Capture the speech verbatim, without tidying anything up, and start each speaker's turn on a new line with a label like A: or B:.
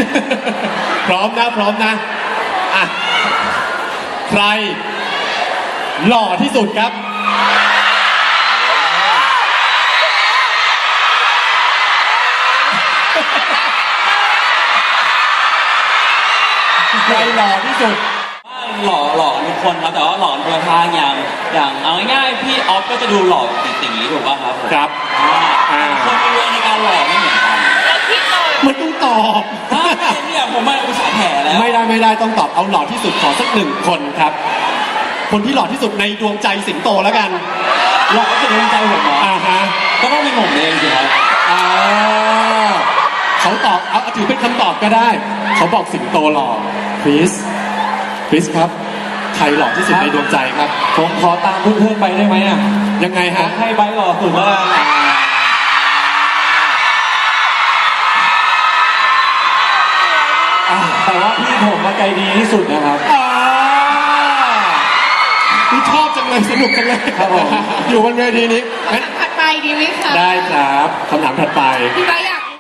A: พร้อมนะพร้อมนะอ่ะใครหล่อที่สุดครับใครหล่อที่สุด
B: หล่อหล่อทุกคนครับแต่ว่าหล่อคนละทางอย่างอย่างเอาง่ายๆพี่ออฟก็จะดูหล่อตีๆถูกป่ะครับ
A: ครับ
B: อ่าคนมีเวในการหล่อไม่เหมือนกัน
A: มันต้องตอบ
B: เนี่ยผมมาอุตส่าห์แผ่แล้ว
A: ไม่ได้ไม่ได้ต้องตอบเอาหล่อที่สุดขอสักหนึ่งคนครับคนที่หล่อที่สุดในดวงใจสิงโตแล้วกัน
B: หล่อที่สุดในดวงใจผมเหรอ
A: อ่าฮะ
B: ก็ต้องเป็นผมเองสิครับ
A: อ่าเขาตอบเอาถือเป็นคำตอบก็ได้เขาบอกสิงโตหล่อคริสคริสครับใครหล่อที่สุดในดวงใจครับ
B: ผมขอตามเพื่อนๆไปได้ไหมอ่ะ
A: ยังไงฮะ
B: ให้ไบร์ทหล่อสุดแล้วกันแต่ว่าพี่ผมมาใจดีที่สุดนะครับ
A: พี่ชอบจังเลยสนุกจังเลย
B: ครับผม
A: อยู่บนเวทีนี้
C: คำถามถัดไปดีไหมคะ
A: ได้ครับคำถามถัดไป
C: พี่ไบร์ท